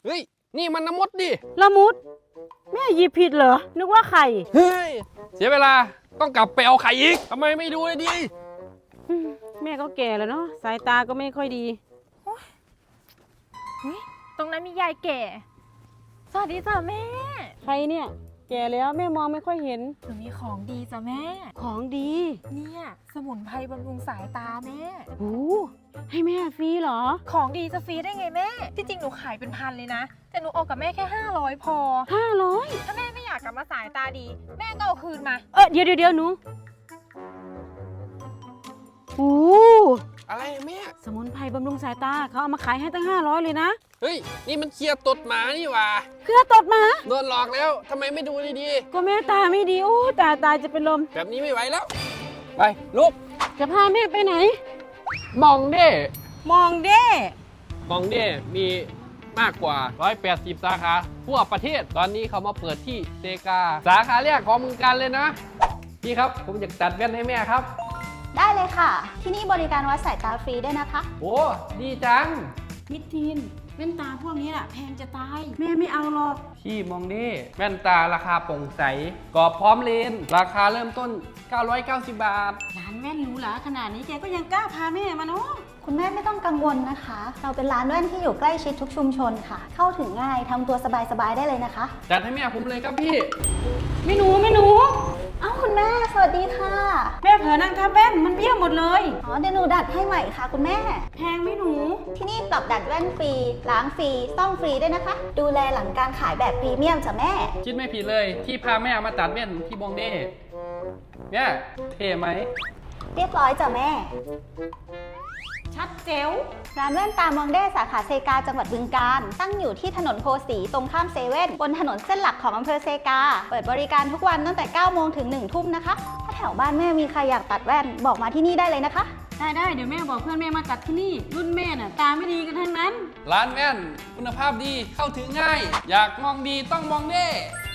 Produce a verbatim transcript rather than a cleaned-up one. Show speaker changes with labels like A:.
A: เฮ้ยนี่มันน้ำมดดิ
B: ละมุดแม่หยิบผิดเหรอนึกว่าไข่
A: เฮ้ยเสียเวลาต้องกลับไปเอาไข่อีกทำไมไม่ดูเลยดิ
B: อืมแม่ก็แก่แล้วเนาะสายตาก็ไม่ค่อยดี
C: ตรงนั้นมียายแก่ สวัสดีจ้ะแม่
B: ใครเนี่ย แก่แล้วแม่มองไม่ค่อยเห็น
C: หนูมีของดีจ้ะแม่
B: ของดี
C: เนี่ยสมุนไพรบำรุงสายตาแม่
B: โอ้ให้แม่ฟรีเหรอ
C: ของดีจะฟรีได้ไงแม่ ที่จริงหนูขายเป็นพันเลยนะ แต่หนูเอากับแม่แค่ห้าร้อยพอ
B: ห้าร้อย
C: ถ้าแม่ไม่อยากกลับมาสายตาดี แม่ก็เอาคืนมา
B: เออเดี๋ยวเดี๋ยวเดี๋ยวหนูโอ้
A: อะไรแม่
B: สมุนไพรบำรุงสายตาเขาเอามาขายให้ตั้งห้าร้อยเลยนะ
A: เฮ้ยนี่มันเคลียร์ตดหมานี่หว่า
B: เครือตดมา
A: โดนหลอกแล้วทำไมไม่ดูดี
B: ก็แม่ตาไม่ดีโอ้ตาตายจะเป็นลม
A: ๆแบบนี้ไม่ไหวแล้วไปลุก
B: จะพาแม่ไปไหน
A: มองเด้
B: มองเด้
A: มองเด้มีมากกว่าหนึ่งร้อยแปดสิบสาขาทั่วประเทศตอนนี้เขามาเปิดที่เซกาสาขาแรกของเมืองการเลยนะพี่ครับผมอยากตัดแว่นให้แม่ครับ
D: ได้เลยค่ะ ที่นี่บริการวัดสายตาฟรีด้วยนะคะ
A: โอ้ดีจัง
B: มิดทีนแว่นตาพวกนี้แหละแพงจะตาย แม่ไม่เอาหรอก
A: พี่มองดิแว่นตาราคาโปร่งใสกรอบพร้อมเลนส์ราคาเริ่มต้น เก้าร้อยเก้าสิบบาท
B: ร้านแว่นหรูหราขนาดนี้แกก็ยังกล้าพาแม่มาเนาะ
D: คุณแม่ไม่ต้องกังวลนะคะ เราเป็นร้านแว่นที่อยู่ใกล้ชิดทุกชุมชนค่ะ เข้าถึงง่ายทำตัวสบายๆได้เลยนะคะ
A: จัดให้แม่ผมเลยครับพี่
B: ไม่หนูไม่หนู
D: เอ้าคุณแม่สวัสดีค่ะ
B: แม่เผลอนั่งทับแว่นมันเบี้ยวหมดเลย
D: อ๋อเดี๋ยวหนูดัดให้ใหม่ค่ะ คุณแม่
B: แพงไหมหนู
D: ที่นี่ปรับดัดแว่นฟรี ล้างฟรี ซ่อมฟรีด้วยนะคะ ดูแลหลังการขายแบบพรีเมียมจ้ะแม่
A: คิดไม่ผิดเลยที่พาแม่มาตัดแว่นที่บองเด้เนี่ยเท่ไหม
D: เรียบร้อยจ้ะแม่
B: ชัดเจ๋ว
D: ร้านแว่นตามองเด้สาขาเซกาจังหวัดบึงกาฬตั้งอยู่ที่ถนนโพสีตรงข้ามเซเว่นบนถนนเส้นหลักของอำเภอเซกา เปิดบริการทุกวันตั้งแต่เก้าโมงถึงหนึ่งทุ่มนะคะ ถ้าแถวบ้านแม่มีใครอยากตัดแว่นบอกมาที่นี่ได้เลยนะคะ
B: ได้ได้เดี๋ยวแม่บอกเพื่อนแม่มาตัดที่นี่ รุ่นแม่น่ะตาไม่ดีกันทั้งนั้น
A: ร้านแว่นคุณภาพดีเข้าถึงง่าย อยากมองดีต้องมองเด้